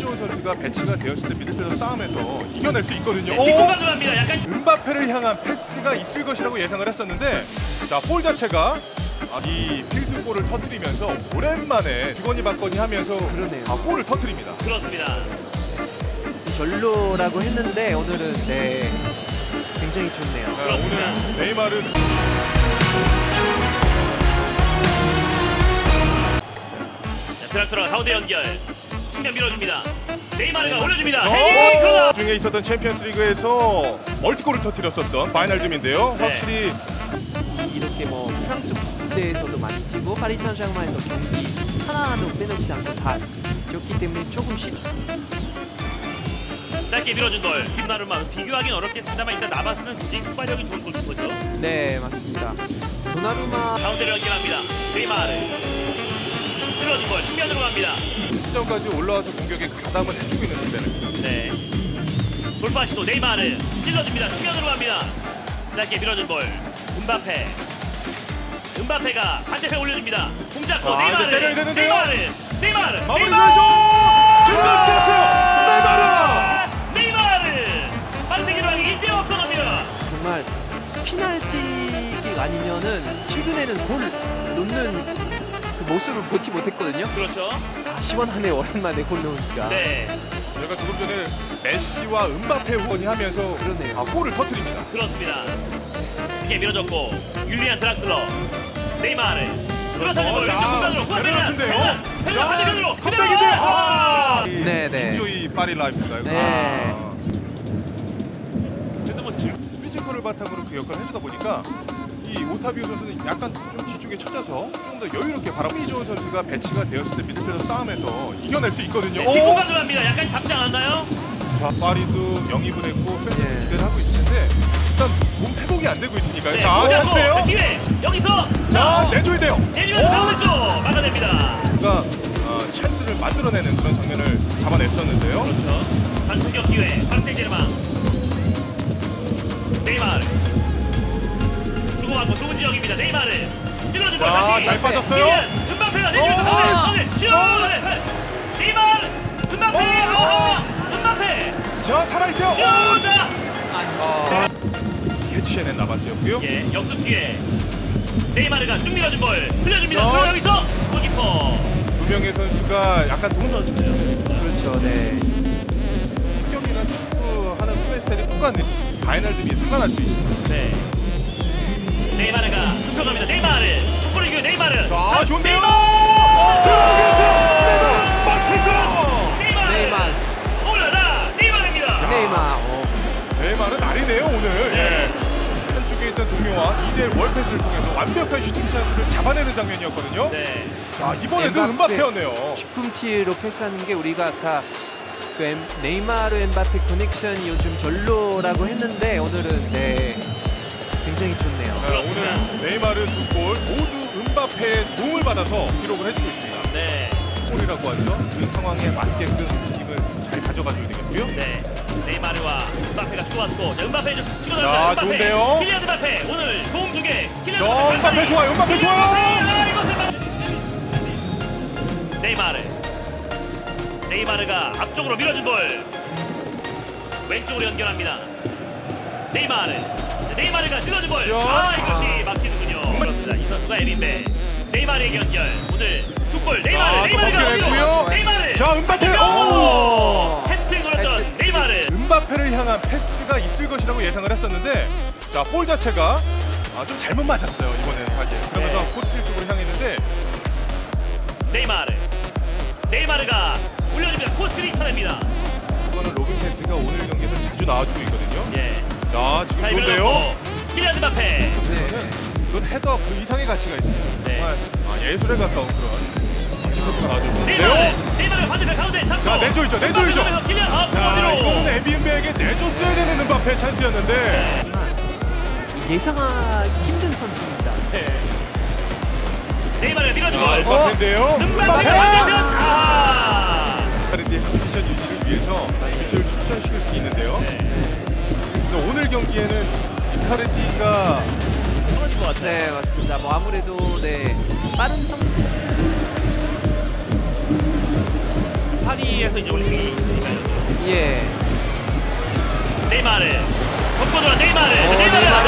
이재원 선수가 배치가 되었을 때 미들필더 싸움에서 이겨낼 수 있거든요. 뒷공간 들어갑니다. 약간 음바페를 향한 패스가 있을 것이라고 예상을 했었는데 자, 볼 자체가 이 필드골을 터뜨리면서 오랜만에 주거니 받거니 하면서 그러네요. 골을 터뜨립니다. 그렇습니다. 별로라고 했는데 오늘은 네 굉장히 좋네요. 자, 오늘 네이마르 드락스가 가운데 연결. 측면 밀어줍니다. 네이마르가 올려줍니다. 헤딩 그러나 중에 있었던 챔피언스리그에서 멀티골을 터뜨렸었던 바이날듬인데요. 네. 확실히 이렇게 뭐 프랑스 국대에서도 많이 뛰고 파리 생제르맹에서 경기 하나도 빼놓지 않고 다 뛰었기 때문에 조금씩 짧게 밀어준 볼. 뒷나루마 비교하기는 어렵겠습니다만 일단 나바스는 굉장히 폭발력이 좋은 골키퍼죠. 네 맞습니다. 도나루마 가운데로 연결합니다. 네이마르 밀어준 볼 측면으로 갑니다. 시점까지 올라와서 공격에 가담을 해주고 있는 상대는 네. 돌파 시도 네이마르 찔러줍니다. 측면으로 갑니다. 짧게 밀어준 볼. 음바페가 반대편 올려줍니다. 공 잡고 아, 네이마르. 이제 때려야 되는데요. 네이마르. 마무리 네이마르. 줬어요. 네이마르. 반세기로 하기 1대 없어갑니다. 정말 피날티킥 아니면은 최근에는 골 넣는 그 모습을 보지 못했거든요. 그렇죠. 아, 시원하네 오랜만에 골 넣으니까. 네. 저희가 조금 전에 메시와 음바페 후원이 하면서 그러네요. 골을 터뜨립니다. 그렇습니다. 크게 밀어줬고 율리안 드락슬러 네이마르 들어서는 볼 자, 공간으로 내려놓는데요. 페르난 반대편으로 컴백인데 네네. 인조이 파리 라이프인가요? 네. 그래도 뭐 피지컬을 바탕으로 그 역할을 해주다 보니까 이 오타비오 선수는 약간 좀 뒤쪽에 쳐져서 좀 더 여유롭게 바라보고 이재원 선수가 배치가 되었을 때 미들필더 싸움에서 이겨낼 수 있거든요. 뒷공간 들어갑니다. 약간 잡지 않았나요? 자, 파리도 영입을 했고 팬들이 예. 기대를 하고 있을 텐데 일단 몸 회복이 안 되고 있으니까요. 네, 자, 보자고. 찬스예요. 기회 여기서 자, 내줘야 돼요. 내리면서 가운데 쪽 막아냅니다. 그러니까 찬스를 만들어내는 그런 장면을 잡아냈었는데요. 그렇죠. 반승격 기회 파리생제르맹 네이마르 주고받고 좁은 지역입니다. 네이마르 찔러주고 자, 다시 잘 빠졌어요. 음바페가 내리면서 가운데 슛 네이마르 음바페 음바페 자, 살아있어요. 슛 캐치해낸 나바스였고요. 예, 역습 기회 네이마르가 쭉 밀어준 볼 흘려줍니다. 자. 그럼 여기서 골키퍼 두 명의 선수가 약간 선수인데요. 그렇죠. 네. 공격이나 축구하는 플레이 스타일이 똑같은 바이날드비에 상관할 수 있습니다. 네. 네이마르가 훔쳐갑니다. 네이마르 축구를 이겨 네이마르 자, 좋은데요. 네이마르 네이마르. 올라라 네이마르입니다. 네이마르 날이네요 오늘. 예. 한쪽에 있던 동료와 2대1 월패스를 통해서 완벽한 슈팅 찬스를 잡아내는 장면이었거든요. 네. 자, 이번에도 엠바페. 음바페였네요. 뒤꿈치로 패스하는 게 우리가 아까 그 네이마르 엠바페 커넥션이 요즘 별로라고 했는데 오늘은 네 굉장히 좋네요. 자, 그렇습니다. 오늘 네이마르 두 골 모두 음바페의 도움을 받아서 기록을 해주고 있습니다. 네. 골이라고 하죠. 그 상황에 맞게끔 움직임을 잘 가져가줘야 되겠고요. 네. 네이마르와 음바페가 주고받고 자, 음바페 좀 치고 자, 나갑니다. 음바페. 좋은데요? 킬리안 음바페 오늘 도움 2개. 킬리안 자, 음바페 좋아요. 음바페 좋아요. 네이마르가 앞쪽으로 밀어준 볼 왼쪽으로 연결합니다. 네이마르가 찔러준 볼. 아, 이것이 막히는군요. 그렇습니다. 이 선수가 에빈베. 네이마르의 연결. 오늘 두 골. 자, 또 네이마르가 벗겨냈고요. 어디로? 네이마르. 자, 음바페. 오! 해트트릭 걸었던 네이마르. 음바페를 향한 패스가 있을 것이라고 예상을 했었는데 자, 볼 자체가 좀 잘못 맞았어요 이번에는 사실. 그러면서 네. 코스틸 쪽으로 향했는데 네이마르가 올려줍니다. 코스를 쳐냅니다. 이거는 로빈 펜스가 오늘 경기에서 자주 나와주고 있거든요. 예. 자, 지금 잘 좋은데요. 밀어넣고 킬리안 음바페. 이거는 이건 헤더 그 이상의 가치가 있습니다. 네. 정말 예술에 가까운 그런 멋진 코스가 나와줬는데요. 네이마르 반대편 가운데 잡고. 자, 내줘야죠. 킬리안 자, 이거는 앞으로. 에비엔베에게 내줬어야 되는 음바페 찬스였는데 예상하기 힘든 선수입니다. 네. 네이마르 밀어주고. 음바페인데요. 음바페가 반대편. 카르디의 컨디션 유지를 위해서 위치를 출전시킬 수 있는데요. 그래서 오늘 경기에는 이카르디가 좋은 것 같아요. 네 맞습니다. 뭐 아무래도 네 빠른 성 파리 파리에서 이제 올림픽이 있으니까요. 예. 네이마르 덮고 돌아 네이마르. 네이마르